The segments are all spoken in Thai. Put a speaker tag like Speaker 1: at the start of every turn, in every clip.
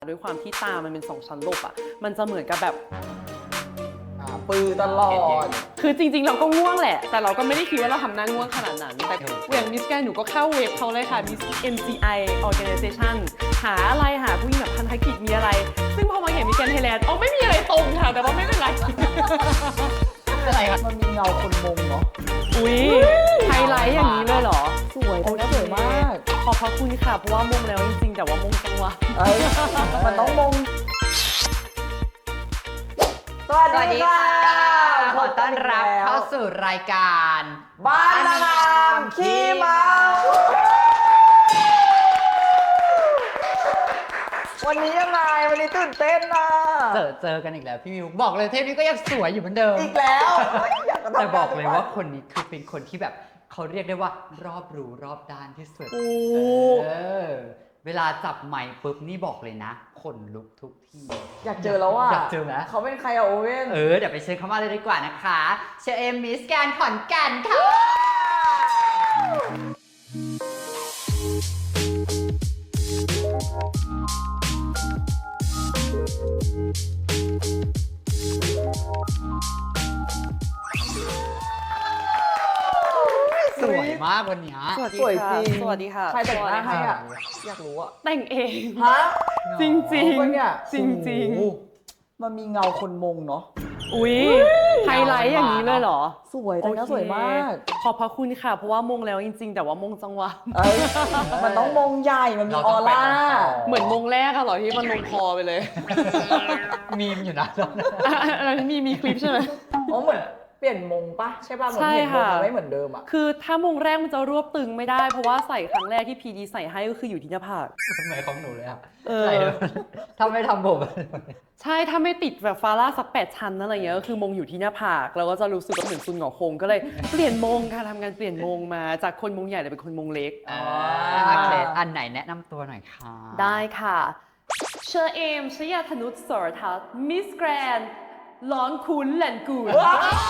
Speaker 1: ด้วยความที่ตามันเป็น2 ชั้นหลบอ่ะมันจะเหมือนกับแบบ
Speaker 2: ปือตลอด
Speaker 1: คือจริงๆเราก็ง่วงแหละแต่เราก็ไม่ได้คิดว่าเราทำหน้าง่วงขนาดนั้นแต่อย่างมิสแกรนด์หนูก็เข้าเว็บเขาเลยค่ะ Miss MCI Organization หาอะไรหาผู้หญิงแบบพันธกิจมีอะไรซึ่งพอมาเห็นมิสแกรนด์ไทยแลนด์ไม่มีอะไรตรงค่ะแต่ว่าไม่เป็นไร
Speaker 2: อะไรครับมันมีเงาคนมงเนาะ
Speaker 1: อุ้ยไฮไลท์อย่างนี้เลยเหรอ
Speaker 2: สวยสวยมาก
Speaker 1: ขอบพระคุณค่ะเพราะว่ามงแล้วจริงๆแต่ว่ามงจังหวะ
Speaker 2: มันต้องมงสวัสดีค่ะ
Speaker 3: ขอต้อนรับเข้าสู่รายการ
Speaker 2: บ้านนางงามขี้เมาวันนี้ยังไงวันนี้ตื่นเต้นนะ
Speaker 3: เจอกันอีกแล้วพี่มิวบอกเลยเทปนี้ก็ยังสวยอยู่เหมือนเดิม
Speaker 2: อีกแล้ว
Speaker 3: แต่บอกเลยว่าคนนี้คือเป็นคนที่แบบเขาเรียกได้ว่ารอบรู้รอบด้านที่สุดเวลาจับไมค์ปุ๊บนี่บอกเลยนะขนลุกทุกที
Speaker 2: อยากเจอแล้วอ่ะ
Speaker 3: อยากเจอไหม
Speaker 2: เขาเป็นใครอะโอเว่น
Speaker 3: เดี๋ยวไปเชิญเขามาเลยดีกว่านะคะเชอเอมมิสแกรนด์ขอนแก่นค่ะสวยมากวันนี้
Speaker 2: สวยจริง
Speaker 1: สวัสดีค่ะ
Speaker 2: ใครแต่งหน้าให้อ่ะอยากรู้อ่ะ
Speaker 1: แต่งเอง
Speaker 2: ฮะ
Speaker 1: จริงจริง
Speaker 2: จริงมันมีเงาคนมงเนาะ
Speaker 1: อุ้ยไฮไลท์อย่างนี้เลยเหรอ
Speaker 2: สวยแต่งหน้าสวยมาก
Speaker 1: ขอบพระคุณค่ะเพราะว่ามงแล้วจริงๆแต่ว่ามงจังหวะ
Speaker 2: มันต้องมงใหญ่มันมีออร่า
Speaker 1: เหมือนมงแรกอะเหรอที่มันลงคอไปเลย
Speaker 3: มีมอยู่นะ
Speaker 1: อันนั้นมีคลิปใช่ไหม
Speaker 2: เหมือนเปลี่ยนมงปะใช่ป่ะเหมือนเห็นมงมันไม่เหมือนเดิมอ่ะ
Speaker 1: คือถ้ามงแรกมันจะรวบตึงไม่ได้เพราะว่าใส่ครั้งแรกที่พีดีใส่ให้ก็คืออยู่ที่หน้าผาก
Speaker 3: ทำไมของหนูเลยอ่ะใส่ถ้าไม่ทำผม
Speaker 1: ใช่ถ้าไม่ติดแบบฟาร่าสัก8 ชั้นอะไรเงี้ยก็คือมงอยู่ที่หน้าผากเราก็จะรู้สึกว่าเหมือนซุนหงอคงก็เลยเปลี่ยนมงค่ะทำงานเปลี่ยนมงมาจากคนมงใหญ่เลยเป็นคนมงเล็ก
Speaker 3: โอเคอันไหนแนะนำตัวหน่อยค่ะ
Speaker 1: ได้ค่ะเชอเอมชยาธนุชสรทัศน์มิสแกรนด์ร้อนคุ้นแหลนกูน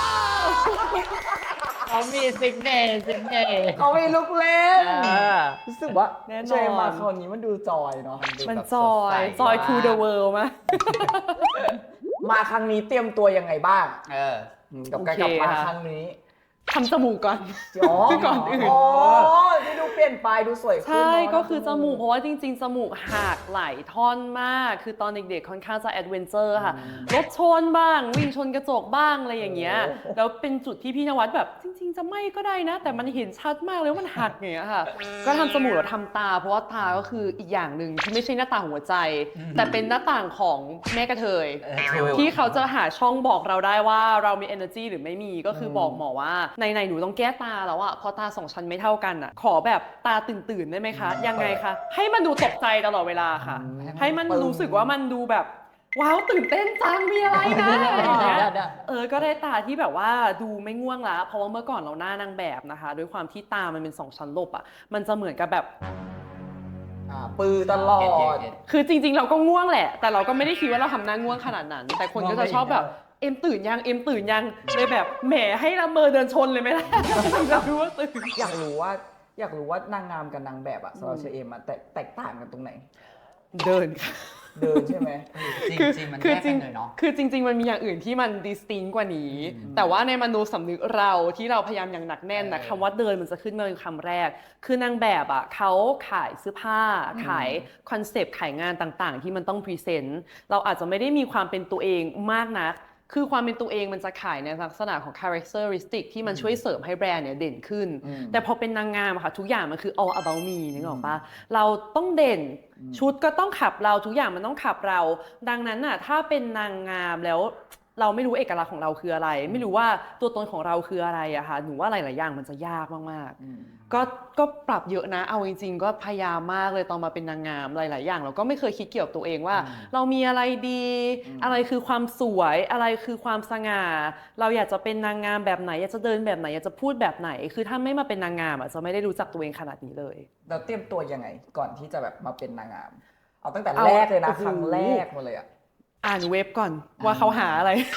Speaker 3: เขามีซิกเน
Speaker 2: เขามีลุกเล่นรู้สึกว่าเจมาคราวนี้มันดูจอยเนาะ
Speaker 1: มันจอย to the world มั้ย
Speaker 2: มาครั้งนี้เตรียมตัวยังไงบ้างกับการกลับมาครั้งนี้
Speaker 1: ทำจมูกก่อนก่อนอื่น
Speaker 2: ที่ดูเปลี่ยนไปดูสวยขึ้น
Speaker 1: ใช่ก็คือจมูกเพราะว่าจริงๆจมูกหักหลายท่อนมากคือตอนเด็กๆค่อนข้างจะแอดเวนเจอร์ค่ะรถชนบ้างวิ่งชนกระจกบ้างอะไรอย่างเงี้ยแล้วเป็นจุดที่พี่นวัดแบบจริงๆจะไม่ก็ได้นะแต่มันเห็นชัดมากเลยว่ามันหักอย่างเงี้ยค่ะก็ทำจมูกแล้วทำตาเพราะว่าตาก็คืออีกอย่างหนึ่งที่ไม่ใช่หน้าต่างหัวใจแต่เป็นหน้าต่างของแม่กระเทยที่เขาจะหาช่องบอกเราได้ว่าเรามี energy หรือไม่มีก็คือบอกหมอว่าในหนูต้องแก้ตาแล้วอะพอตา2 ชั้นไม่เท่ากันอะขอแบบตาตื่นๆได้ไหมคะยังไงคะให้มันดูตกใจตลอดเวลาค่ะให้มันรู้สึกว่ามันดูแบบว้าวตื่นเต้นจังมีอะไรนะอะไรอย่างเงี้ยก็ได้ตาที่แบบว่าดูไม่ง่วงละเพราะว่าเมื่อก่อนเราหน้านางแบบนะคะด้วยความที่ตามันเป็น2 ชั้นหลบอะมันจะเหมือนกับแบบ
Speaker 2: ปือตลอด
Speaker 1: คือจริงๆเราก็ง่วงแหละแต่เราก็ไม่ได้คิดว่าเราทำหน้าง่วงขนาดนั้นแต่คนก็จะชอบแบบเอ็มตื่นยังเลยแบบแหมให้ละเมอเดินชนเลยไหมล่ะจะรู้ว่าตื่น
Speaker 2: อยากรู้ว่านางงามกับนางแบบอะสำหรับเชอเอมอะแตกต่างกันตรงไหน
Speaker 1: เดินค่ะ
Speaker 2: เดินใช่ไหม
Speaker 3: จริงๆมันแยกกันเลยเนาะ
Speaker 1: คือจริงๆมันมีอย่างอื่นที่มันดิสติงกว่านี้แต่ว่าในมโนสำนึกเราที่เราพยายามอย่างหนักแน่นนะคำว่าเดินมันจะขึ้นมาเป็นคำแรกคือนางแบบอ่ะเขาขายเสื้อผ้าขายคอนเซปต์ขายงานต่างๆที่มันต้องพรีเซนต์เราอาจจะไม่ได้มีความเป็นตัวเองมากนักคือความเป็นตัวเองมันจะขายในลักษณะของ characteristic ที่มันช่วยเสริมให้แบรนด์เนี่ยเด่นขึ้นแต่พอเป็นนางงามค่ะทุกอย่างมันคือ all about me นึกออกปะเราต้องเด่นชุดก็ต้องขับเราทุกอย่างมันต้องขับเราดังนั้นน่ะถ้าเป็นนางงามแล้วเราไม่รู้เอกลักษณ์ของเราคืออะไรไม่รู้ว่าตัวตนของเราคืออะไรอะค่ะหนูว่าหลายๆอย่างมันจะยากมากๆก็ปรับเยอะนะเอาจริงๆก็พยายามมากเลยตอนมาเป็นนางงามหลายๆอย่างเราก็ไม่เคยคิดเกี่ยวกับตัวเองว่าเรามีอะไรดีอะไรคือความสวยอะไรคือความสง่าเราอยากจะเป็นนางงามแบบไหนอยากจะเดินแบบไหนอยากจะพูดแบบไหนคือถ้าไม่มาเป็นนางงามอะจะไม่ได้รู้จักตัวเองขนาดนี้เลย
Speaker 2: เราเตรียมตัวยังไงก่อนที่จะแบบมาเป็นนางงามเอาตั้งแต่แรกเลยนะครั้งแรกมาเลยอ่าน
Speaker 1: เว็บก่อนว่าเขาหาอะไร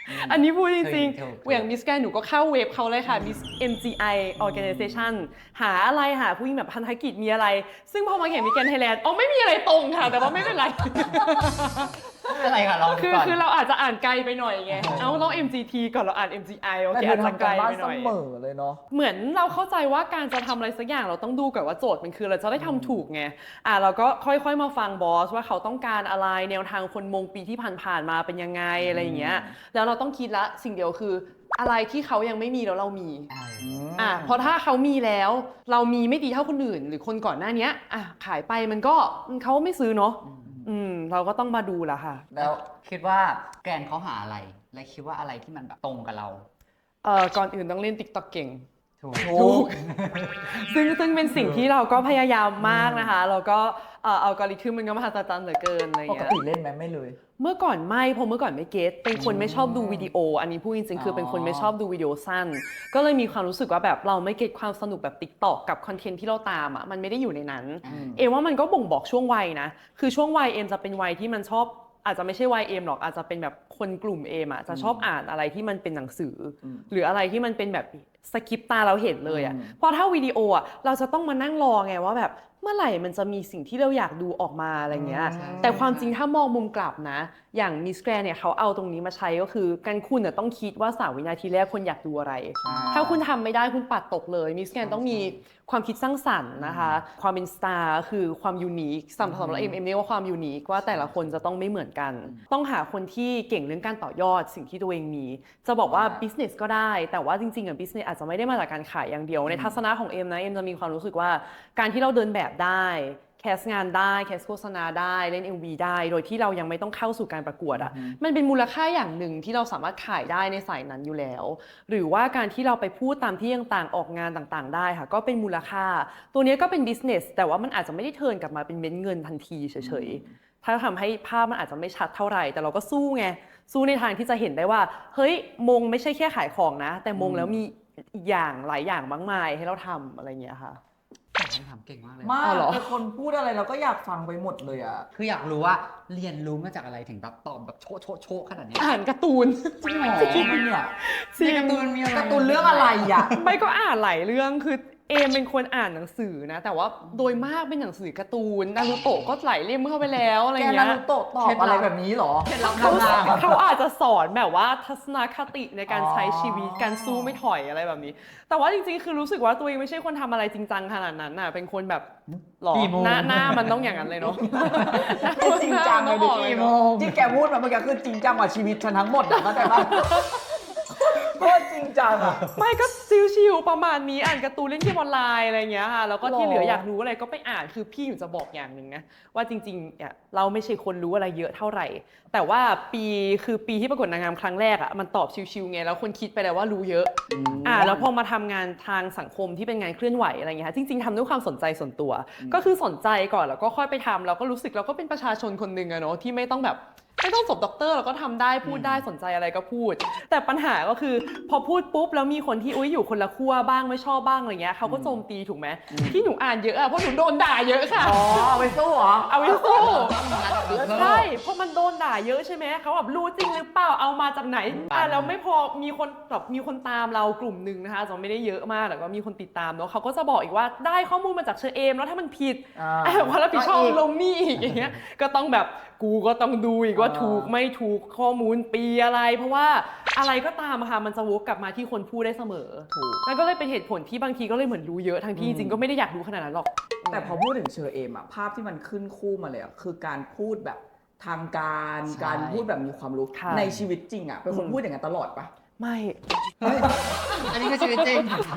Speaker 1: อันนี้พูดจริง
Speaker 3: ถูก
Speaker 1: ๆอย่างมิสแกรนหนูก็เข้าเว็บเขาเลยค่ะ Miss MGI Organization หาอะไรหาผู้หญิงแบบพันธกิจมีอะไร ซึ่งพอมาเห็นมิสแกรนไทยแลนด์ไม่มีอะไรตรงค่ะ แต่ว่าไม่เป็นไร
Speaker 3: ไม่เป็นไรค่ะลองดูก่อน
Speaker 1: คือเราอาจจะอ่านไกลไปหน่อยไงต้อง MGT ก่อนเราอ่าน MGI โอ
Speaker 2: แต่
Speaker 1: เค
Speaker 2: เธอ
Speaker 1: อาจจะ
Speaker 2: ทำ
Speaker 1: ไก
Speaker 2: กา
Speaker 1: ล
Speaker 2: รบ้าน
Speaker 1: ไปห
Speaker 2: เส
Speaker 1: น่อย
Speaker 2: มอเลยเนาะ
Speaker 1: เหมือนเราเข้าใจว่าการจะทำอะไรสักอย่างเราต้องดูก่อนว่าโจทย์มันคือเราจะได้ทำถูกไงเราก็ค่อยๆมาฟังบอสว่าเขาต้องการอะไรแนวทางคนมงปีที่ผ่านๆมาเป็นยังไงอะไรอย่างเงี้ยแล้วเราต้องคิดละสิ่งเดียวคืออะไรที่เขายังไม่มีแล้วเรามีเพราะถ้าเขามีแล้วเรามีไม่ดีเท่าคนอื่น หรือคนก่อนหน้านี้ขายไปมันก็เขาไม่ซื้อเนาะเราก็ต้องมาดูละค่ะ
Speaker 3: แล้วคิดว่าแกรนเขาหาอะไร และคิดว่าอะไรที่มันแบบตรงกับเรา
Speaker 1: ก่อนอื่นต้องเล่น TikTok เก่ง
Speaker 3: ถูก
Speaker 1: ซึ่งเป็นสิ่งที่เราก็พยายามมากนะคะแล้วก็อัลกอริทึมมันก็มหัศจรรย์เหลือเกินอะไร
Speaker 2: ปก
Speaker 1: เงี้ย
Speaker 2: ติเล่นไหมไม่เลย
Speaker 1: เมื่อก่อนไม่เพราะเมื่อก่อนไม่เก็ตเป็นคนไม่ชอบดูวิดีโอ อันนี้พูดจริงๆคือเป็นคนไม่ชอบดูวิดีโอสั้น ก็เลยมีความรู้สึกว่าแบบเราไม่เก็ตความสนุกแบบ TikTok กับคอนเทนต์ที่เราตามมันไม่ได้อยู่ในนั้น เอมว่ามันก็บ่งบอกช่วงวัยนะคือช่วงวัยเอมจะเป็นวัยที่มันชอบอาจจะไม่ใช่วัยเอมหรอกอาจจะเป็นแบบคนกลุ่มเอมจะชอบอ่านอะไรที่มันเป็นหนังสือหรืออะไรที่มันเป็นแบบสคริปต์ตาเราเห็นเลยเพราะถ้าวิดีโอเราจะต้องมานั่งรอไงว่าแบบเมื่อไหร่มันจะมีสิ่งที่เราอยากดูออกมาอะไรเงี้ยแต่ความจริงถ้ามองมุมกลับนะอย่างมิสแกรนเนี่ยเขาเอาตรงนี้มาใช้ก็คือการคุณต้องคิดว่า3 วินาทีแรกคนอยากดูอะไรถ้าคุณทำไม่ได้คุณปัดตกเลยมิสแกรนต้องมีความคิดสร้างสรรค์นะคะความเป็นสตาร์คือความยูนิคสำหรับเอ็มเรียกว่าความยูนิคว่าแต่ละคนจะต้องไม่เหมือนกันต้องหาคนที่เก่งเรื่องการต่อยอดสิ่งที่ตัวเองมีจะบอกว่า business ก็ได้แต่ว่าจริงๆbusiness อาจจะไม่ได้มาจากการขายอย่างเดียวในทัศนะของเอ็มนะเอ็มจะมีความรู้สึกว่าการที่เราเดินแบบได้แคสงานได้แคสโฆษณาได้เล่น MV ได้โดยที่เรายังไม่ต้องเข้าสู่การประกวดมันเป็นมูลค่าอย่างหนึ่งที่เราสามารถขายได้ในสายนั้นอยู่แล้วหรือว่าการที่เราไปพูดตามที่ต่างๆออกงานต่างๆได้ค่ะก็เป็นมูลค่าตัวนี้ก็เป็น business แต่ว่ามันอาจจะไม่ได้เทิร์นกลับมาเป็นเม็ดเงินทันทีเฉยๆถ้าทำให้ภาพมันอาจจะไม่ชัดเท่าไหร่แต่เราก็สู้ไงสู้ในทางที่จะเห็นได้ว่าเฮ้ยมงไม่ใช่แค่ขายของนะแต่มงแล้วมีอีกอย่างหลายอย่างมากมายให้เราทำอะไรอย่างเงี้ยค่ะ
Speaker 3: คำถามเก่งมากเลย
Speaker 2: มาก
Speaker 1: เหรอ
Speaker 2: แต่คนพูดอะไรเราก็อยากฟังไปหมดเลยอ่ะ
Speaker 3: คืออยากรู้ว่าเรียนรู้มาจากอะไรถึงแบบตอบแบบโชะขนาดนี้
Speaker 1: อ่านการ์ตูน
Speaker 2: จริงเหรอเนี่ย
Speaker 3: ในการ์ตูนมีอะไร
Speaker 2: การ์ตูนเรื่องอะไรอ่ะ
Speaker 1: ไม่ก็อ่านหลายเรื่องคือเอมเป็นคนอ่านหนังสือนะแต่ว่าโดยมากเป็นหนังสือการ์ตูนนารูโตะก็หลายเล่มเข้าไปแล้วอะไร
Speaker 2: แก
Speaker 1: เงี้
Speaker 2: นาย รูโตะตอบอะไรแบบนี้เหรอ
Speaker 3: เคล็ดลับ
Speaker 1: เขา
Speaker 3: ทำงาน
Speaker 1: เขาอาจจะสอนแบบว่าทัศนคติในการใช้ชีวิตการสู้ไม่ถอยอะไรแบบนี้ แต่ว่าจริงๆคือรู้สึกว่าตัวเองไม่ใช่คนทำอะไรจริงจังขนาดนั้นน่ะเป็นคนแบบหรอหน้ามันต้องอย่างนั้นเลยเนาะ
Speaker 2: จริงจังเลยดิ
Speaker 1: หน้ามันต้องออกเลยเนอะ
Speaker 2: ที่แกพูดมาเมื่อกี้คือจริงจังกว่าชีวิตฉันทั้งหมดนะเข้าใจปะโคตรจริงจังอ่ะ
Speaker 1: ไม่ก็ชิวๆประมาณนี้อ่านการ์ตูนเล่นเกมออนไลน์อะไรเงี้ยค่ะแล้วก็ที่เหลืออยากรู้อะไรก็ไปอ่านคือพี่อยู่จะบอกอย่างหนึ่งนะว่าจริงๆเนี่ยเราไม่ใช่คนรู้อะไรเยอะเท่าไหร่แต่ว่าปีที่ประกวดนางงามครั้งแรกอ่ะมันตอบชิวๆไงแล้วคนคิดไปแล้วว่ารู้เยอะแล้วพอมาทำงานทางสังคมที่เป็นงานเคลื่อนไหวอะไรเงี้ยจริงๆทำด้วยความสนใจส่วนตัวก็คือสนใจก่อนแล้วก็ค่อยไปทำแล้วก็รู้สึกเราก็เป็นประชาชนคนหนึ่งอะเนาะที่ไม่ต้องแบบไม่ต้องจบด็อกเตอร์เราก็ทำได้พูดได้สนใจอะไรก็พูดแต่ปัญหาก็คือพอพูดปุ๊บแล้วมีคนที่อยู่คนละขั้วบ้างไม่ชอบบ้างอะไรเงี้ยเขาก็โจมตีถูกไหมที่หนูอ่านเยอะอะเพราะหนูโดนด่าเยอะค่ะ
Speaker 2: อ๋อเอาไปสู้เหรอ
Speaker 1: เอาไว้สู้ใช่เพราะมันโดนด่าเยอะใช่ไหมเขาแบบรู้จริงหรือเปล่าเอามาจากไหนแล้วไม่พอมีคนตามเรากลุ่มหนึ่งนะคะจะไม่ได้เยอะมากแต่ก็มีคนติดตามเนาะเขาก็จะบอกอีกว่าได้ข้อมูลมาจากเชอเอมแล้วถ้ามันผิดความรับผิดชอบลงนี่อีกอย่างเงี้ยก็ต้องแบบกูก็ต้องดูอีกว่าถูกไม่ถูกข้อมูลปีอะไรเพราะว่าอะไรก็ตามค่ะมันจะวกกลับมาที่คนพูดได้เสมอถูกนั่นก็เลยเป็นเหตุผลที่บางทีก็เลยเหมือนรู้เยอะทั้งที่จริงก็ไม่ได้อยากรู้ขนาดนั้นหรอก
Speaker 2: แต่พอพูดถึงเชอเอมอะภาพที่มันขึ้นคู่มาเลยอะคือการพูดแบบทางการพูดแบบมีความรู้ในชีวิตจริงอะเป็นคนพูดอย่างนั้นตลอดปะ
Speaker 1: ไม่
Speaker 3: อันนี้ก็ชีวิตจริง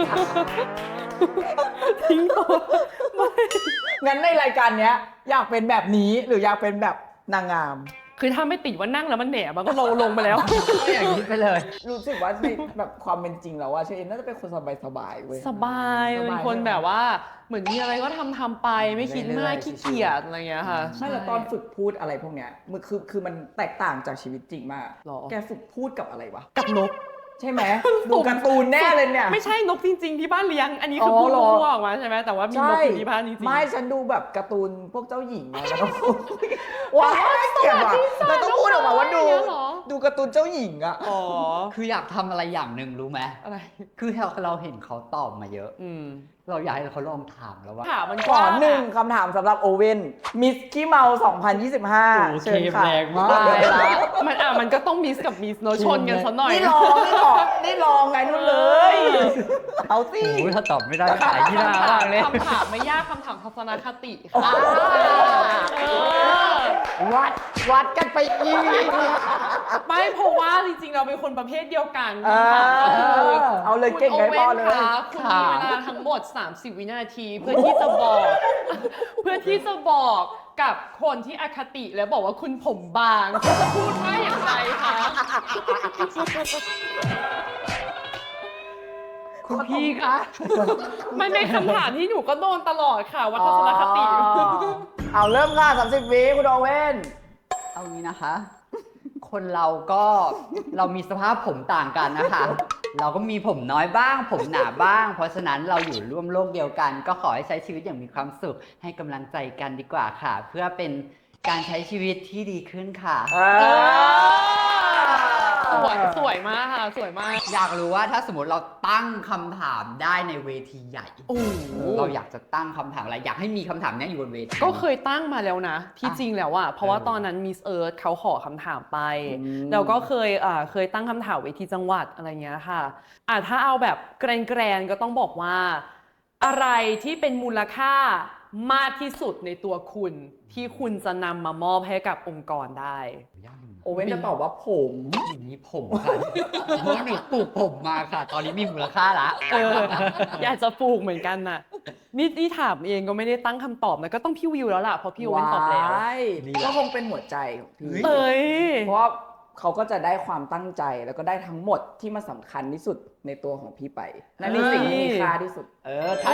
Speaker 1: ทิ้งตัวไม่
Speaker 2: งั้นในรายการเนี้ยอยากเป็นแบบนี้หรืออยากเป็นแบบนางงาม
Speaker 1: คือถ้าไม่ติดว่านั่งแล้วมันแหนมันก็ลงไปแล้ว
Speaker 3: ก็อย่างนี้ไปเลย
Speaker 2: รู้สึกว่าในแบบความเป็นจริงแล้วว่าเชอเอมน่าจะเป็นคนสบายๆเว้ย
Speaker 1: สบายเป็นคนแบบว่าเหมือนมีอะไรก็ทำไปไม่คิดมากขี้เกียจอะไรเงี้ยค่ะ
Speaker 2: ไม่แล้วตอนฝึกพูดอะไรพวกเนี้ยมันคือมันแตกต่างจากชีวิตจริงมากแกฝึกพูดกับอะไรวะ
Speaker 1: กับนก
Speaker 2: ใช่ไหมดูการ์ตูนแน่เลยเนี่ย
Speaker 1: ไม่ใช่นกจริงๆที่บ้านเลี้ยงอันนี้คือพูดมั่วออกมาใช่ไหมแต่ว่ามีนกอยู่ที่บ้านจริงๆ
Speaker 2: ไม่ฉันดูแบบการ์ตูนพวกเจ้าหญิงไงแล้วก็ว้าวเกลียดว่ะเราต้องพูดออกมาว่าดูดูการ์ตูนเจ้าหญิงอะ
Speaker 1: อ๋อ
Speaker 3: คืออยากทำอะไรอย่างหนึ่งรู้ไหม
Speaker 1: อะไร
Speaker 3: คือเราเห็นเขาตอบมาเยอะ
Speaker 1: อืม
Speaker 3: เราอยากให้เขาลองถามแล้วว่า
Speaker 1: ถามมัน
Speaker 2: ขอหนึ่งคำถามสำหรับโอเว่นมิสกี้เมา 2025 เชิญค่ะ
Speaker 3: แรงมาก
Speaker 1: ตายละมันก็ต้องมิสกับมิสโนชนกันซะหน่อย
Speaker 2: นี่ลองไงนู่นเลย เอาสิ
Speaker 3: โอ้ยถ้าตอบไม่ได้ขายที่หน้ามากเลย
Speaker 1: คำถามไม่ยากคำถามทัศนคติค่ะเออ
Speaker 2: วัดกันไปอีก
Speaker 1: ไม่เพราะว่าจริงๆ เราเป็นคนประเภทเดียวกัน
Speaker 2: เออ
Speaker 1: ค่ะก็คือ
Speaker 2: เอาเลยเก่งไงพ่อเลย
Speaker 1: คุณโว่นคะคุณมีเวลาทั้งหมด 30 วินาทีเพื่อที่จะบอก เพื่อที่จะบอกกับคนที่อคติแล้วบอกว่าคุณผมบางคุณจะพูดว่าอย่างไรคะ
Speaker 3: คุณพี่คะ
Speaker 1: มันเป็นคำถามที่หนูก็โดนตลอดค่ะว่าทัศนคติ
Speaker 2: เอาเริ่มค่ะ30 วิคุณโอเว่น
Speaker 3: เอางี้นะคะ คนเราก็เรามีสภาพผมต่างกันนะคะ เราก็มีผมน้อยบ้าง ผมหนาบ้าง เพราะฉะนั้นเราอยู่ร่วมโลกเดียวกัน ก็ขอให้ใช้ชีวิตอย่างมีความสุข ให้กำลังใจกันดีกว่าค่ะ เพื่อเป็นการใช้ชีวิตที่ดีขึ้นค่ะ
Speaker 1: สวยมากค่ะสวยมาก
Speaker 3: อยากรู้ว่าถ้าสมมติเราตั้งคำถามได้ในเวทีใหญ่
Speaker 1: โอ้โห
Speaker 3: เราอยากจะตั้งคำถามอะไร อยากให้มีคำถามเนี้ยอยู่บนเวที
Speaker 1: ก็เคยตั้งมาแล้วนะ ที่จริงแล้วอะเพราะว่า
Speaker 3: เออ
Speaker 1: ตอนนั้นมิสเอิร์ธเขาขอคำถามไป
Speaker 2: อืม
Speaker 1: แล้วก็เคยตั้งคำถามเวทีจังหวัดอะไรเงี้ยค่ะถ้าเอาแบบแกรนๆก็ต้องบอกว่า อะไรที่เป็นมูลค่ามากที่สุดในตัวคุณ ที่คุณจะนำมามอบให้กับองค์กรได้
Speaker 3: ยากอยู่นะ
Speaker 2: โอเว่นจะตอบว่าผม
Speaker 3: อย่างนี้ผมค่ะเพราะหนูปลูกผมมาค่ะ ตอนนี้มีมูลค่าละ
Speaker 1: อยากจะปลูกเหมือนกันน่ะนี่ถามเองก็ไม่ได้ตั้งคำตอบนะก็ต้องพี่วิวแล้วล่ะเพราะพี่วิวตอบแล้ว
Speaker 2: ว้ายก็คงเป็นหัวใจของพี่
Speaker 1: เอ้ย
Speaker 2: เพราะว่าเขาก็จะได้ความตั้งใจแล้วก็ได้ทั้งหมดที่มันสำคัญที่สุดในตัวของพี่ไปนั่นคือสิ่งที่มีค่าที่สุด
Speaker 3: ถ้า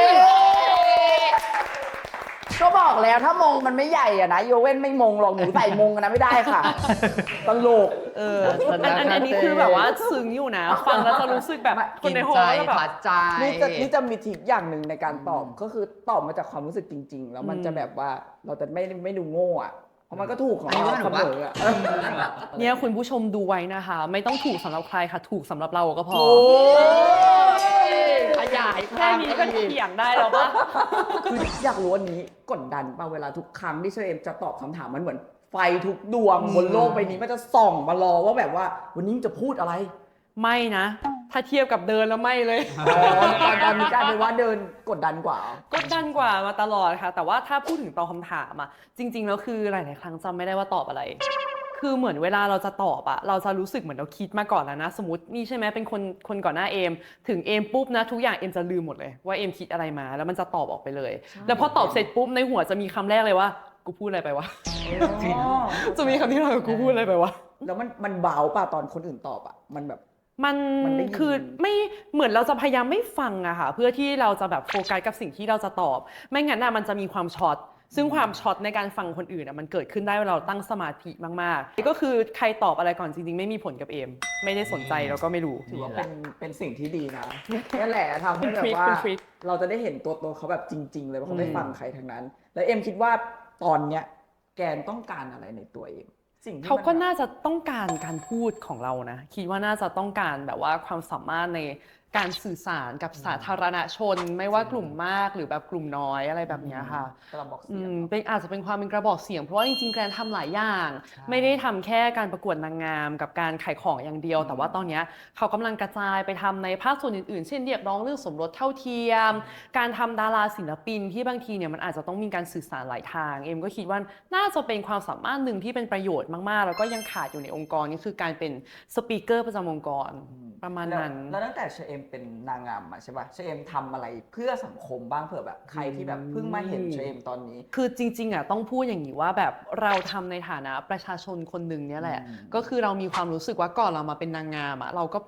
Speaker 2: ก็บอกแล้วถ้ามงมันไม่ใหญ่อะนะโยเว่นไม่มงหรอกหนูใส่มงอะนะไม่ได้ค่ะตลก
Speaker 1: อันนี้คือแบบว่าซึ้งอยู่นะ ฟังแล้วจะรู้สึกแบบคนในหอ
Speaker 3: ใจ
Speaker 1: แล้วแบบ
Speaker 3: พัดใจ
Speaker 2: นี่จะมีทริคอย่างหนึ่งในการตอบก็คือตอบมาจากความรู้สึกจริง ๆ แล้วมันจะแบบว่าเราจะไม่ดูโง่อะเพราะมันก็ถูกของเราเสมออะ
Speaker 1: เนี่ยคุณผู้ชมดูไว้นะคะ ไม่ต้องถูกสำหรับใครค่ะ ถูกสำหรับเราก็พอ
Speaker 2: โอ้ย
Speaker 3: ขยาย
Speaker 1: แค่นี้ก็เถียงได้แล้วปะ
Speaker 2: คืออยากรู้วันนี้กดดันป่ะเวลาทุกครั้งที่เชอเอมจะตอบคำถามมันเหมือนไฟทุกดวงบนโลกใบนี้มันจะส่องมารอว่าแบบว่าวันนี้จะพูดอะไร
Speaker 1: ไม่นะ ถ้าเทียบกับเดินแล้วไม่เลย
Speaker 2: ตอนนี้กลายเป็นว่าเดินกดดันกว่า
Speaker 1: กดดันกว่ามาตลอดค่ะ แต่ว่าถ้าพูดถึงตอบคำถามอะจริง ๆ แล้วคือหลายๆครั้งจำไม่ได้ว่าตอบอะไร คือเหมือนเวลาเราจะตอบอะเราจะรู้สึกเหมือนเราคิดมาก่อนแล้วนะ สมมตินี่ใช่ไหมเป็นคนก่อนหน้าเอม ถึงเอมปุ๊บนะทุกอย่างเอมจะลืมหมดเลยว่าเอมคิดอะไรมาแล้วมันจะตอบออกไปเลย แล้วพอตอบเสร็จปุ๊บในหัวจะมีคำแรกเลยว่ากูพูดอะไรไปวะ จะมีคำที่เรากูพูดอะไรไปวะ
Speaker 2: แล้วมันเบาป่ะตอนคนอื่นตอบอ่ะมันแบบ
Speaker 1: มัน
Speaker 2: มันได้ยิน
Speaker 1: คือไม่เหมือนเราจะพยายามไม่ฟังอะค่ะเพื่อที่เราจะแบบโฟกัสกับสิ่งที่เราจะตอบ ไม่งั้นอะมันจะมีความช็อตซึ่งความช็อตในการฟังคนอื่นอะมันเกิดขึ้นได้เวลาเราตั้งสมาธิมากๆก็คือใครตอบอะไรก่อนจริงๆไม่มีผลกับเอม ไม่ได้สนใจแล้วก็ไม่รู้
Speaker 2: ถือว่าเป็นสิ่งที่ดีนะนั่นแหละทำให้แบบว่า
Speaker 1: เป็นทริค
Speaker 2: เราจะได้เห็นตัวตนเขาแบบจริง ๆ เลยว่าเขาไม่ฟังใครทั้งนั้น แล้วเอ็มคิดว่าตอนเนี้ยแกนต้องการอะไรในตัวเอ็มสิ่งที่
Speaker 1: เขาก็
Speaker 2: มัน
Speaker 1: น่าจะต้องการการพูดของเรานะคิดว่าน่าจะต้องการแบบว่าความสามารถในการสื่อสารกับสาธารณชน ไม่ว่ากลุ่มมากหรือแบบกลุ่มน้อยอะไรแบบเนี้ยค่ะ
Speaker 2: กระบอกเสียง
Speaker 1: เป็นอาจจะเป็นความเป็นกระบอกเสียงเพราะว่าจริงๆแกรนทำหลายอย่าง ไม่ได้ทำแค่การประกวดนางงามกับการขายของอย่างเดียว แต่ว่าตอนเนี้ยเขากำลังกระจายไปทำในภาคส่วนอื่นๆ เช่นเรียกร้องเรื่องสมรสเท่าเทียม การทำดาราศิลปินที่บางทีเนี่ยมันอาจจะต้องมีการสื่อสารหลายทางเอ็มก็คิดว่าน่าจะเป็นความสามารถหนึ่งที่เป็นประโยชน์มากๆ แล้วก็ยังขาดอยู่ในองค์กรนี่คือการเป็นสปีกเกอร์ประจำองค์กรประมาณนั้น
Speaker 2: แล้วตั้งแต่เชเอมเป็นนางงามมาใช่ป่ะเชเอมทำอะไรเพื่อสังคมบ้างเผื่อแบบใครที่แบบเพิ่งมาเห็นเชเอมตอนนี้
Speaker 1: คือจริงๆอ่ะต้องพูดอย่างนี้ว่าแบบเราทำในฐานะประชาชนคนหนึ่งเนี่ยแหละ ก็คือเรามีความรู้สึกว่าก่อนเรามาเป็นนางงามอ่ะเราก็เป็น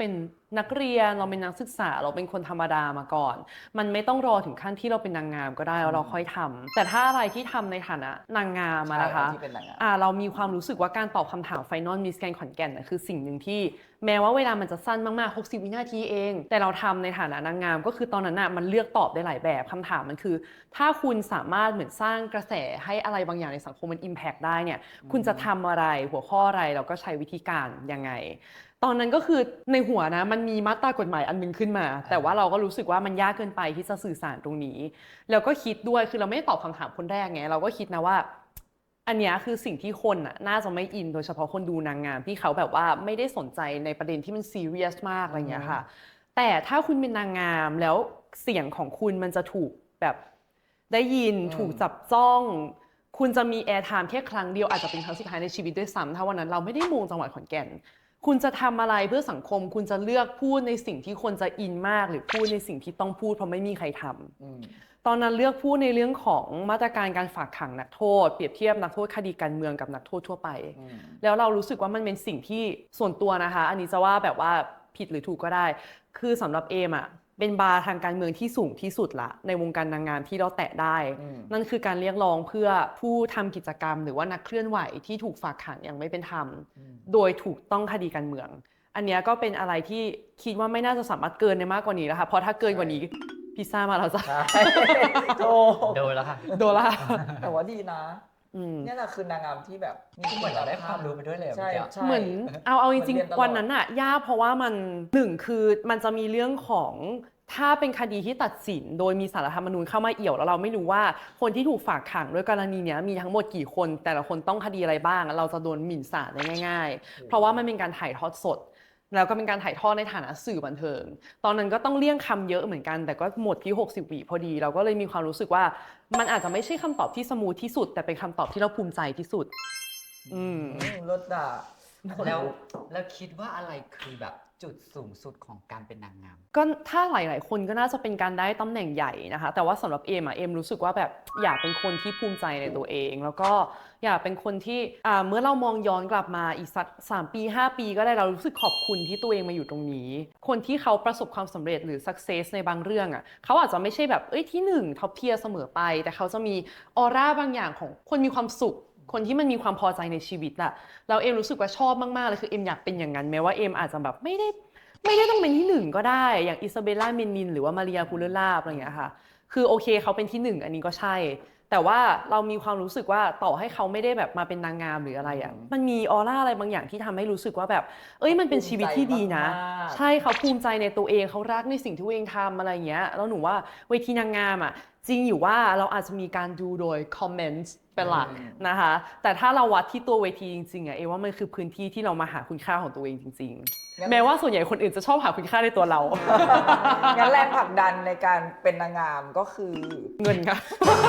Speaker 1: นักเรียนเราเป็นนักศึกษาเราเป็นคนธรรมดามาก่อนมันไม่ต้องรอถึงขั้นที่เราเป็นนางงามก็ได้แล้วเราค่อยทำแต่ถ้าอะไรที่ทำในฐานะนางงามอะนะคะ
Speaker 2: ที่เป็นนางงาม
Speaker 1: เรามีความรู้สึกว่าการตอบคำถามไฟนอลมิสแกรนด์ขอนแก่นน่ะคือสิ่งหนึ่งที่แม้ว่าเวลามันจะสั้นมากๆ60วินาทีเองแต่เราทำในฐานะนางงามก็คือตอนนั้นน่ะมันเลือกตอบได้หลายแบบคำถามมันคือถ้าคุณสามารถเหมือนสร้างกระแสให้อะไรบางอย่างในสังคมมันอิมแพกได้เนี่ยคุณจะทำอะไรหัวข้ออะไรแล้วก็ใช้วิธีการยังไงตอนนั้นก็คือในหัวนะมันมีมาตรากฎหมายอันนึงขึ้นมาแต่ว่าเราก็รู้สึกว่ามันยากเกินไปที่จะสื่อสารตรงนี้แล้วก็คิดด้วยคือเราไม่ได้ตอบคำถามคนแรกไงเราก็คิดนะว่าอันนี้คือสิ่งที่คนน่าจะไม่อินโดยเฉพาะคนดูนางงามที่เขาแบบว่าไม่ได้สนใจในประเด็นที่มันซีเรียสมากอะไรอย่างเงี้ยค่ะแต่ถ้าคุณเป็นนางงามแล้วเสียงของคุณมันจะถูกแบบได้ยินถูกจับจ้องคุณจะมีแอร์ไทม์แค่ครั้งเดียวอาจจะเป็นครั้งสุดท้ายในชีวิตด้วยซ้ำถ้าวันนั้นเราไม่ได้มงจังหวัดขอนแก่นคุณจะทำอะไรเพื่อสังคมคุณจะเลือกพูดในสิ่งที่คนจะอินมากหรือพูดในสิ่งที่ต้องพูดเพราะไม่มีใครทำตอนนั้นเลือกพูดในเรื่องของมาตรการการฝากขังนักโทษเปรียบเทียบนักโทษคดีการเมืองกับนักโทษทั่วไปแล้วเรารู้สึกว่ามันเป็นสิ่งที่ส่วนตัวนะคะอันนี้จะว่าแบบว่าผิดหรือถูกก็ได้คือสำหรับเอมอะเป็นบาร์ทางการเมืองที่สูงที่สุดละในวงการนางงามที่เราแตะได้นั่นคือการเรียกร้องเพื่อผู้ทำกิจกรรมหรือว่านักเคลื่อนไหวที่ถูกฝากขังอย่างไม่เป็นธรรมโดยถูกต้องคดีการเมืองอันนี้ก็เป็นอะไรที่คิดว่าไม่น่าจะสามารถเกินได้มากกว่านี้แล้วค่ะเพราะถ้าเกินกว่านี้พิซซ่ามาแล้วจ้ะ
Speaker 3: โดนแล้วค่ะ
Speaker 1: โดนละ
Speaker 2: แต่ว่าดีนะเนี่ยแหละคือนางงามที่แบบ
Speaker 3: เหมือนเราได้ความรู้ไปด้วยเลย
Speaker 2: ใช่ใช่
Speaker 1: เหมือนเอาจริง
Speaker 2: เหมือนเรียนตลอด
Speaker 1: ๆวันนั้นอะยากเพราะว่ามันหนึ่งคือมันจะมีเรื่องของถ้าเป็นคดีที่ตัดสินโดยมีศาลรัฐธรรมนูญเข้ามาเอี่ยวแล้วเราไม่รู้ว่าคนที่ถูกฝากขังด้วยกรณีเนี้ยมีทั้งหมดกี่คนแต่ละคนต้องคดีอะไรบ้างเราจะโดนหมิ่นศาลได้ง่ายๆเพราะว่ามันเป็นการถ่ายทอดสดแล้วก็เป็นการถ่ายทอดในฐานะสื่อบันเทิงตอนนั้นก็ต้องเลี่ยงคำเยอะเหมือนกันแต่ก็หมดที่60 วิพอดีเราก็เลยมีความรู้สึกว่ามันอาจจะไม่ใช่คำตอบที่สมูทที่สุดแต่เป็นคำตอบที่เราภูมิใจที่สุด
Speaker 2: รถด่า
Speaker 3: แล้วคิดว่าอะไรคือแบบจุดสูงสุดของการเป็นนางงาม
Speaker 1: ก็ถ้าหลายๆคนก็น่าจะเป็นการได้ตำแหน่งใหญ่นะคะแต่ว่าสำหรับเอมรู้สึกว่าแบบอยากเป็นคนที่ภูมิใจในตัวเองแล้วก็อยากเป็นคนที่เมื่อเรามองย้อนกลับมาอีกสัก3 ปี5 ปีก็ได้เรารู้สึกขอบคุณที่ตัวเองมาอยู่ตรงนี้คนที่เขาประสบความสำเร็จหรือ success ในบางเรื่องเขาอาจจะไม่ใช่แบบที่1ท็อปเทียร์เสมอไปแต่เขาจะมีออร่าบางอย่างของคนมีความสุขคนที่มันมีความพอใจในชีวิตอะเราเอมรู้สึกว่าชอบมากๆเลยคือเอมอยากเป็นอย่างนั้นแม้ว่าเอมอาจจะแบบไม่ได้ต้องเป็นที่1ก็ได้อย่างอิซาเบลล่าเมนินหรือว่ามาเรียคูเลลาอะไรอย่างเงี้ยค่ะคือโอเคเขาเป็นที่1อันนี้ก็ใช่แต่ว่าเรามีความรู้สึกว่าต่อให้เขาไม่ได้แบบมาเป็นนางงามหรืออะไรมันมีออร่าอะไรบางอย่างที่ทำให้รู้สึกว่าแบบมันเป็นชีวิตที่ดีนะใช่เขาภูมิใจในตัวเองเขารักในสิ่งที่ตัวเองทำอะไรอย่างเงี้ยแล้วหนูว่าเวทีนางงามจริงอยู่ว่าเราอาจจะมีการดูโดยคอมเมนต์เป็นหลักนะคะแต่ถ้าเราวัดที่ตัวเวทีจริงๆเอว่ามันคือพื้นที่ที่เรามาหาคุณค่าของตัวเองจริงๆแม้ว่าส่วนใหญ่คนอื่นจะชอบหาคุณค่าในตัวเรา
Speaker 2: งั้นแรงผลักดันในการเป็นนางงามก็คือ
Speaker 1: เงินค่ะ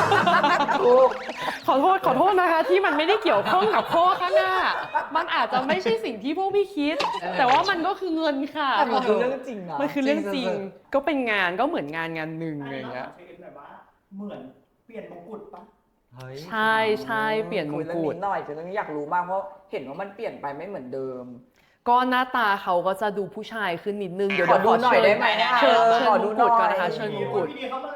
Speaker 1: ขอโทษนะคะที่มันไม่ได้เกี่ยวข้องกับข้อข้างหน้ามันอาจจะไม่ใช่สิ่งที่พวกพี่คิดแต่ว่ามันก็คือเงินค่ะ
Speaker 2: แต่มันคือเรื่องจริงนะ
Speaker 1: มันคือเรื่องจริงก็เป็นงานก็เหมือนงานหนึ่งอะไรอย่างเงี้ย
Speaker 4: เหมือนเปลี่ยนมงกุฎปะ
Speaker 1: ใช่เปลี่ยนมงกุฎ
Speaker 2: หน่อยคือเรื่องนี้อยากรู้มากเพราะเห็นว่ามันเปลี่ยนไปไม่เหมือนเดิม
Speaker 1: ก็หน้าตาเขาก็จะดูผู้ชายขึ้นนิดนึงเดี๋ยว
Speaker 2: ขอดูหน่อยได้ไหม
Speaker 1: เชิญมงกุฎก่อนนะคะเชิญมงกุฎ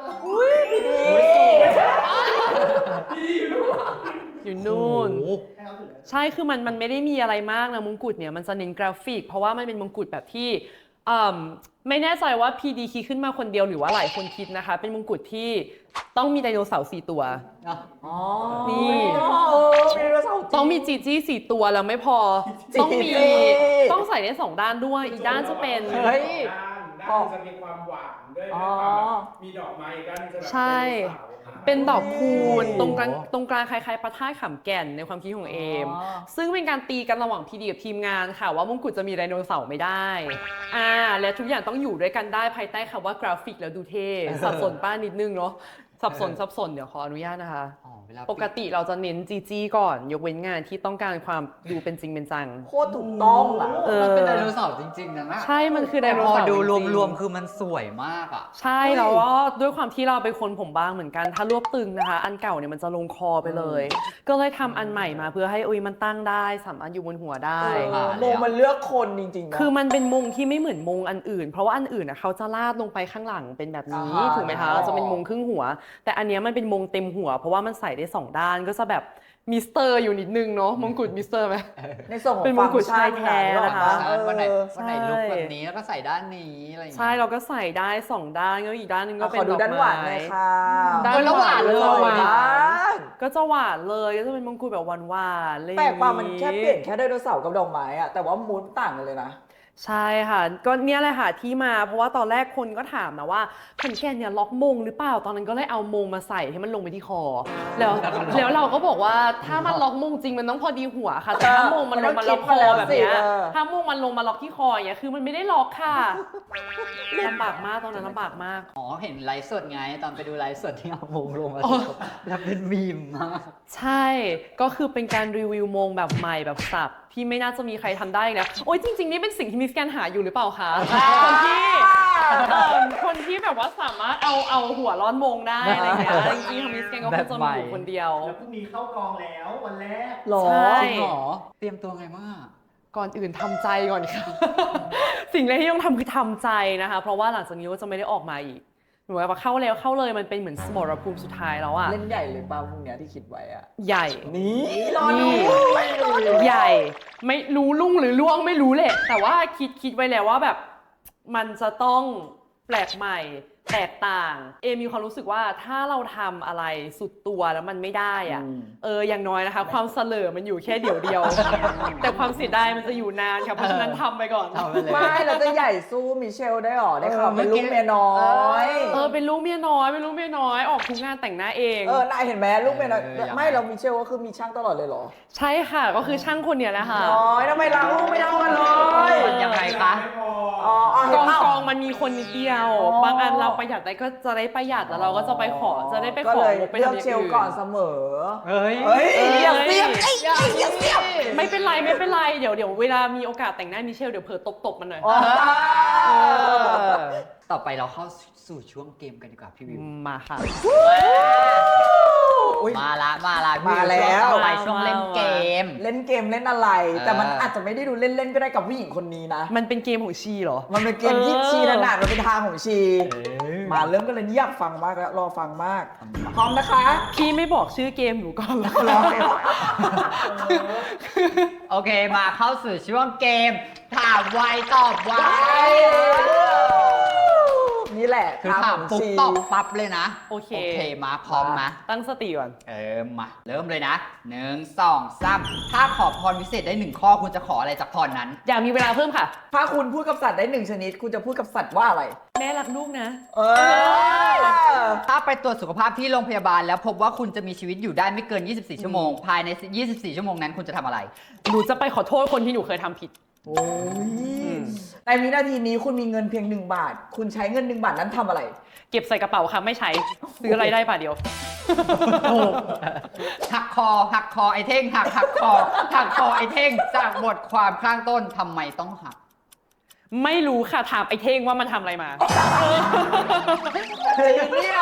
Speaker 1: อยู่นู่นใช่คือมันไม่ได้มีอะไรมากนะมงกุฎเนี่ยมันจะเน้นกราฟิกเพราะว่ามันเป็นมงกุฎแบบที่ไม่แน่ใจว่า PD คิดขึ้นมาคนเดียวหรือว่าหลายคนคิดนะคะเป็นมงกุฎที่ต้องมีไดโนเสาร์4 ตัวนี่ต้องมีจีจี้4 ตัวแล้วไม่พอต้องใส่ได้2 ด้านด้วยอีกด้านจะเป็น
Speaker 4: ด้านจะมีความหวานด้วยความมีดอกไม้อีกด้านจะแบบ
Speaker 1: ใช่เป็นดอกคูณตรงกลางคล้ายๆพระธาตุขำแก่นในความคิดของเอมซึ่งเป็นการตีกันระหว่างพีดีกับทีมงานค่ะว่ามงกุฎจะมีไดโนเสาร์ไม่ได้และทุกอย่างต้องอยู่ด้วยกันได้ภายใต้คำว่ากราฟิกแล้วดูเท่สับสนป้านิดนึงเนาะสับสนเดี๋ยวขออนุญาตนะคะ
Speaker 3: อ๋อเวลา
Speaker 1: ปกติเราจะเน้นจีจี้ก่อน ยกเว้นงานที่ต้องการความดูเป็นจริงเป็นจัง
Speaker 2: โคตรถูกต้องอ่ะ
Speaker 3: มันเป็นไดโนเสาร์จริงๆนะ
Speaker 1: ใช่ มันคือได
Speaker 3: แต่
Speaker 1: โน
Speaker 3: พอ
Speaker 1: เสาร์
Speaker 3: ดู
Speaker 1: จงๆ
Speaker 3: รวมๆคือมันสวยมากอ่ะ
Speaker 1: ใช่แล้วก็ด้วยความที่เราเป็นคนผมบางเหมือนกัน ถ้ารวบตึงนะคะ อันเก่าเนี่ยมันจะลงคอไปเลย ก็เลยทำอันใหม่มาเพื่อให้มันตั้งได้สามารถอยู่บนหัวได้
Speaker 2: โมมันเลือกคนจริงๆนะ
Speaker 1: คือมันเป็นมงที่ไม่เหมือนมงอันอื่น เพราะว่าอันอื่นเขาจะลาดลงไปข้างหลังเป็นแบบนี้ ถูกไหมคะจะเป็นมงครึ่งหัว แต่อันเนี้ยมันเป็นมงเต็มหัว เพราะว่ามันใส่ได้2ด้านก็จะแบบมิสเตอร์อยู่นิดนึงเนาะมงกุฎมิสเตอร์ไหม
Speaker 2: ในส่วนของ
Speaker 1: เป็นมงกุฎชายแท้นะคะ
Speaker 3: วันไหน
Speaker 1: ใช่
Speaker 3: วันไหนลุกแบบนี้แล้วก็ใส่ด้านนี้อะไรอย่าง
Speaker 1: ใช่
Speaker 3: เงี้ย
Speaker 1: เราก็ใส่ได้2ด้านก็อีกด้านหนึงก็
Speaker 2: ข
Speaker 1: เป็น
Speaker 2: อดู
Speaker 1: ดอก
Speaker 2: ด้านหวานห
Speaker 1: ไม้
Speaker 2: น่อยค่ะ
Speaker 1: ด้านหวานเลย
Speaker 2: สวยมาก
Speaker 1: ก็จะหวานเลยก็จะเป็นมงกุฎแบบหวานๆอะไรอย่ง
Speaker 2: แปล
Speaker 1: งี้
Speaker 2: กป่ะมันแค่เปลี่ยนแค่ไดโนเสาร์กับดอกไม้อะแต่ว่ามูดต่างกันเลยนะ
Speaker 1: ใช่ค่ะ ก็เนี่ยแหละค่ะที่มาเพราะว่าตอนแรกคนก็ถามนะว่าขอนแก่นเนี่ยล็อกมงหรือเปล่าตอนนั้นก็เลยเอามงมาใส่ให้มันลงไปที่คอ แล้วเราก็บอกว่าถ้ามันล็อกมงจริงมันต้องพอดีหัวค่ะแต่ถ้ามงมันลงมาล็อกคอแบบเนี้ยถ้ามงมันลงมาล็อกที่คออย่างเงี้ยคือมันไม่ได้ล็อกค่ะลำบากมากตอนนั้นลำบากมาก
Speaker 3: อ๋อเห็นไลฟ์สดไงตอนไปดูไลฟ์สดที่เอามงลงมาแล้วเป็นมีมมาก
Speaker 1: ใช่ ก็คือเป็นการรีวิวมงแบบใหม่แบบสับที่ไม่น่าจะมีใครทำได้นะโอ้ยจริงๆนี่เป็นสิ่งที่มิสแกนหาอยู่หรือเปล่าคะคนที่แบบว่าสามารถเอาหัวร้อนมงได้อะไรอย่างเงี้ยจริงๆทางมิสแกนก็คงจะมีอยู่คนเดียว
Speaker 4: แล้วพรุ่งนี้เข้ากองแล้ววันแรก
Speaker 2: หรอ
Speaker 1: ใช่
Speaker 3: จริงเหรอเตรียมตัวไงมาก
Speaker 1: ก่อนอื่นทำใจก่อนค่ะ สิ่งแรกที่ต้องทำคือทำใจนะคะ เพราะว่าหลังจากนี้ก็จะไม่ได้ออกมาอีกหนูว่าเข้าแล้วเข้าเลยมันเป็นเหมือนสมรภูมิสุดท้ายแล้วอะ
Speaker 2: เล่นใหญ่เลยป่ะพวกเนี้ยที่คิดไว้อะ
Speaker 1: ใหญ่
Speaker 2: นี่รอดู
Speaker 1: ใหญ่ไม่รู้ลุ่งหรือล่วงไม่รู้แหละ แต่ว่าคิดไว้แล้วว่าแบบมันจะต้องแปลกใหม่แตกต่าง มีความรู้สึกว่าถ้าเราทำอะไรสุดตัวแล้วมันไม่ได้อะอย่างน้อยนะคะ ความเสลอมันอยู่แค่เดียว แต่ความเสียดายมันจะอยู่นานค่ะเพราะฉะนั้นทำไปก่อน
Speaker 3: ทำไปเลย
Speaker 2: ไม่เราจะใหญ่สู้มิเชลได้หรอได้ข่าวเป็นลูกเมียน้อย
Speaker 1: เป็นลูกเมียน้อยออกทุกงานแต่งหน้าเอง
Speaker 2: นายเห็นไหมลูกเมียน้อย
Speaker 3: ยังไง
Speaker 2: ไม่เรามิเชลก็คือมีช่างตลอดเลยเหรอ
Speaker 1: ใช่ค่ะก็คือช่างคนเนี้ยแหละค่ะ
Speaker 2: น้อยทำไมล้างลูกไม่เท่ากันเลย
Speaker 3: มันยังไงคะ
Speaker 4: ไม่พอ
Speaker 2: เห็นเปล่า
Speaker 1: กองมันมีคนนิดเดียว บางอันเราประหยัดได้ก็จะได้ประหยัดแล้วเราก็จะไปขอจะได้ไป
Speaker 2: ก็
Speaker 1: ขอ
Speaker 2: เลย
Speaker 1: ไป
Speaker 2: เลือก
Speaker 1: ทำย่าง
Speaker 2: เชลก่อนเสมอ
Speaker 3: เฮ้ย
Speaker 2: เฮ้ยอย่าเสียบอย่าเสียบ
Speaker 1: ไม่เป็นไรเดี๋ยวเวลามีโอกาสแต่งหน้ามิเชลเดี๋ยวเผลอตบมันหน่อย
Speaker 3: ต่อไปเราเข้าสู่ช่วงเกมกันดีกว่าพี่วิว
Speaker 1: มาค่ะ
Speaker 2: อุ๊ย
Speaker 3: มาละพี่
Speaker 2: มาแล้ว
Speaker 3: ต่อไปช่วงเล่นเกม
Speaker 2: เล่นเกมเล่นอะไร แต่มันอาจจะไม่ได้ดูเล่นๆก็ได้กับผู้หญิงคนนี้นะ
Speaker 1: มันเป็นเกมของชีเหรอ
Speaker 2: มันเป็นเกมที่ชีถนัดมันเป็นทางของชี มาเริ่มกันเลยนี่อยากฟังมากแล้วรอฟังมาก พร้อมนะคะ
Speaker 1: พี่ไม่บอกชื่อเกมหนูก่อนแล้ว
Speaker 2: รอ
Speaker 3: โอเคมาเข้าสู่ช่วงเกม ถามไวตอบไว
Speaker 2: นี่แหละ
Speaker 3: คือ
Speaker 2: ทาง
Speaker 3: ถา
Speaker 2: ข
Speaker 3: ม
Speaker 2: อง
Speaker 3: ปุ๊บ
Speaker 2: ชี
Speaker 3: ตอบปั๊บเลยนะ
Speaker 1: โอเค
Speaker 3: มาพร้อมนะ
Speaker 1: ตั้งสติก่อน
Speaker 3: มาเริ่มเลยนะ1 2 3ถ้าขอพรวิเศษได้1ข้อคุณจะขออะไรจากพรนั้น
Speaker 1: อยากมีเวลาเพิ่มค่ะ
Speaker 2: ถ้าคุณพูดกับสัตว์ได้1ชนิด คุณจะพูดกับสัตว์ว่าอะไร
Speaker 1: แม่รักลูกนะ
Speaker 3: ถ้าไปตรวจสุขภาพที่โรงพยาบาลแล้วพบว่าคุณจะมีชีวิตอยู่ได้ไม่เกิน 24 ชั่วโมง ภายใน 24 ชั่วโมงนั้นคุณจะทำอะไร
Speaker 1: หนูจะไปขอโทษคนที่หนูเคยทำผิด
Speaker 2: โอ้ยในวินาทีนี้คุณมีเงินเพียง1 บาท คุณใช้เงิน1 บาทนั้นทำอะไร
Speaker 1: เก็บใส่กระเป๋าค่ะไม่ใช้ซื้ออะไรได้ป่ะเดียว
Speaker 3: หักคอไอ้เท่งหักคอไอ้เท่งจากบทความข้างต้นทำไมต้องหัก
Speaker 1: ไม่รู้ค่ะถามไอ้เท่งว่ามันทำอะไรมา
Speaker 2: เฮ้ยเนี่ย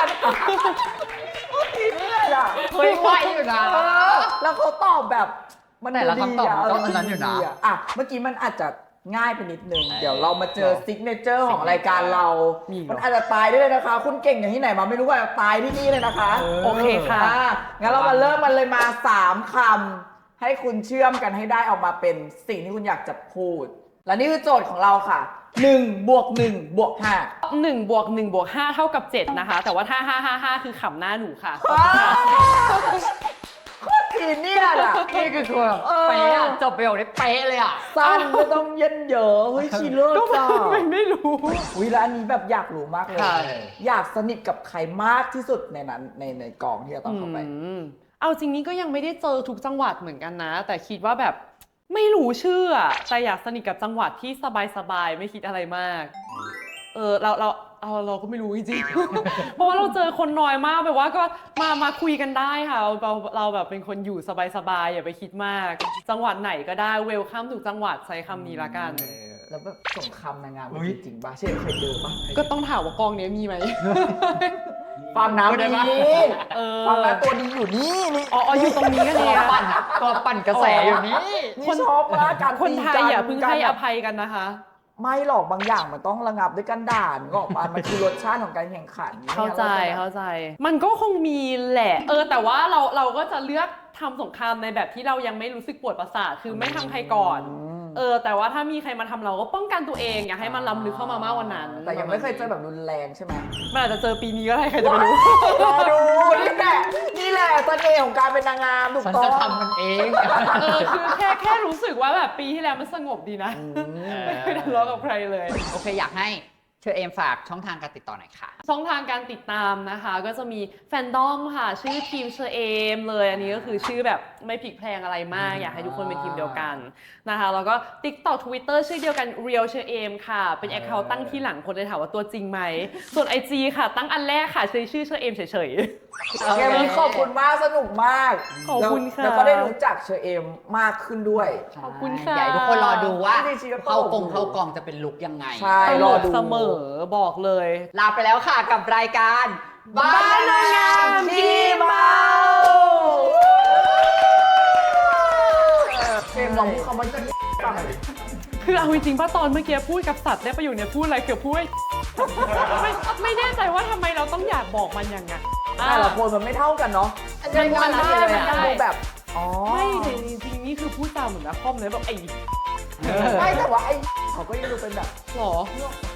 Speaker 2: อะ
Speaker 3: เฮ้ยไวอยู่นะ
Speaker 2: แล้วเขาตอบแบบมัน
Speaker 3: แต่ละคำตอบมันก็อันนั้นอยู่นะ
Speaker 2: ดีอ่ะเมื่อกี้มันอาจจะง่ายไปนิดนึง เดี๋ยวเรามาเจอซิกเนเจอร์ของรายการเรา
Speaker 1: มีเหรอ
Speaker 2: มันอาจจะตายได้เลยนะคะ คุณเก่งอย่างที่ไหนมาไม่รู้ว่าตายที่นี่เลยนะคะ
Speaker 1: โอเคค่ะ
Speaker 2: งั้นเรามาเริ่มมันเลยมา3 คำให้คุณเชื่อมกันให้ได้ออกมาเป็นสิ่งที่คุณอยากจะพูด และนี่คือโจทย์ของเราค่ะ1 บวก 1 บวก 5
Speaker 1: 1 บวก 1 บวก 5 เท่ากับ 7 นะคะ แต่ว่าถ้า 5 คือขำหน้าหนูค่ะ
Speaker 2: โคตรทีเนี่ยอ่ะ
Speaker 3: นี่คือคือแบบเป๊ะอะจบประโยคได้เป๊ะเลยอ่ะ
Speaker 2: สั้นไม่ต้องเย็นเยอะเฮ้ยชีเลิศ
Speaker 1: ก็
Speaker 2: จ้า
Speaker 1: ไม่รู้
Speaker 2: วิแล้วอันนี้แบบอยากรู้มากเลย
Speaker 1: ค่ะ
Speaker 2: อยากสนิทกับใครมากที่สุดในนั้นในกองที่จะต้องเข้าไป
Speaker 1: เอาจริงนี้ก็ยังไม่ได้เจอทุกจังหวัดเหมือนกันนะ แต่คิดว่าแบบไม่รู้ชื่ออะแต่อยากสนิทกับจังหวัดที่สบายๆไม่คิดอะไรมาก เราเราก็ไม่รู้จริงๆ เพราะว่าเราเจอคนน้อยมากแบบว่าก็มาคุยกันได้ค่ะเราแบบเป็นคนอยู่สบายๆอย่าไปคิดมาก จังหวัดไหนก็ได้เวลคัมทุกจังหวัดใช้คำนี้ละกัน
Speaker 2: แล้วแบบสงครามนางงามมันจริงๆป่ะเช่นเคยเจอป่ะ
Speaker 1: ก็ต้องถามว่ากองเนี้ยมีไหม
Speaker 2: ฟังน้ำดี
Speaker 1: เออ
Speaker 2: ฟังน้ำตัวดีอยู่นี่นี่
Speaker 1: อ๋ออยู่ตรงนี้กัน
Speaker 3: ตั
Speaker 1: เนี่
Speaker 3: วย ปั่นกระแสอยู่นี่
Speaker 2: นี่ชอบมากการ
Speaker 1: คนไทยอย่าเพิ่งให้อ
Speaker 2: ย
Speaker 1: ภัยกันนะคะ
Speaker 2: ไม่หรอกบางอย่างมันต้องระงับด้วยกันด่านก็ออกมามันคือรสชาติของการแข่งขัน
Speaker 1: เข้าใจ
Speaker 2: นี่ย
Speaker 1: เข้าใจ มันก็คงมีแหละ แต่ว่าเราก็จะเลือกทำสงครามในแบบที่เรายังไม่รู้สึกปวดประสาทคือไม่ทำใครก่อน แต่ว่าถ้ามีใครมาทำเราก็ป้องกันตัวเองอย่าให้มันล้ำลึกเข้ามามากกว่านั้น
Speaker 2: แต่ยังไม่เคยเจอแบบรุนแรงใช่ไหม
Speaker 1: มันอาจจะเจอปีนี้ก็ได้ใครจะไปรู้
Speaker 2: รอดูนี่แหละเสน่ห์ของการเป็นนางงามถูก
Speaker 3: ฉัน
Speaker 2: ต้อง
Speaker 3: จะทำมันเอง
Speaker 1: คือแค่รู้สึกว่าแบบปีที่แล้วมันสงบดีนะ ไม่เคยทะเลาะกับใครเลย
Speaker 3: โอเคอยากให้เชอเอมฝากช่องทางการติดต่อหน่อยค่ะ
Speaker 1: ช่องทางการติดตามนะคะ ก็จะมีแฟนดอมค่ะ ชื่อทีมเชอเอมเลยอันนี้ก็คือชื่อแบบไม่พลิกแพลงอะไรมาก อยากให้ทุกคนเป็นทีมเดียวกันนะคะแล้วก็ TikTok Twitter ชื่อเดียวกัน Real เชอเอมค่ะ เป็นแอคเคาท์ตั้งที่หลังคนเลยถามว่าตัวจริงไหม ส่วน IG ค่ะ ตั้งอันแรกค่ะชื่อเชอเอมเฉย
Speaker 2: เกมนี้ขอบคุณมากสนุกมาก
Speaker 1: ขอบคุณค่ะ
Speaker 2: แล้วก็ได้รู้จักเชอเอมมากขึ้นด้วย
Speaker 1: ขอบคุณค่ะ
Speaker 3: อยากให้ทุกคนรอดูว่า
Speaker 2: จริงๆก็
Speaker 3: เข้ากองจะเป็นลุคยังไง
Speaker 2: ใช่
Speaker 1: ๆตล
Speaker 2: รอก ดู
Speaker 1: เสมอบอกเลย
Speaker 3: ลาไปแล้วค่ะกับรายการบ้านนางงาม
Speaker 2: ที่เมาเกมลองพูดคำว่าที่ฟังหน่อยดิ
Speaker 1: คือเอาจริงๆป้าตอนเมื่อกี้พูดกับสัตว์ได้ประโยชน์เนี่ยพูดอะไรเกือบพูด ไม่แน่ใจว่าทำไมเราต้องอยากบอกมันอย่างนั้น
Speaker 2: แต่ละคนมันไม่เท่ากันเนาะ
Speaker 1: มันได้
Speaker 2: เลยอะ
Speaker 1: มันได้
Speaker 2: ดูแบบอ๋อ
Speaker 1: ไม่แต่จริงๆนี่คือพูดจาเหมือนนะคอมเลยแบบไอ้
Speaker 2: ไม่แต่ว่าไอ้เขาก็ยังดูเป็นแบบ
Speaker 1: หรอ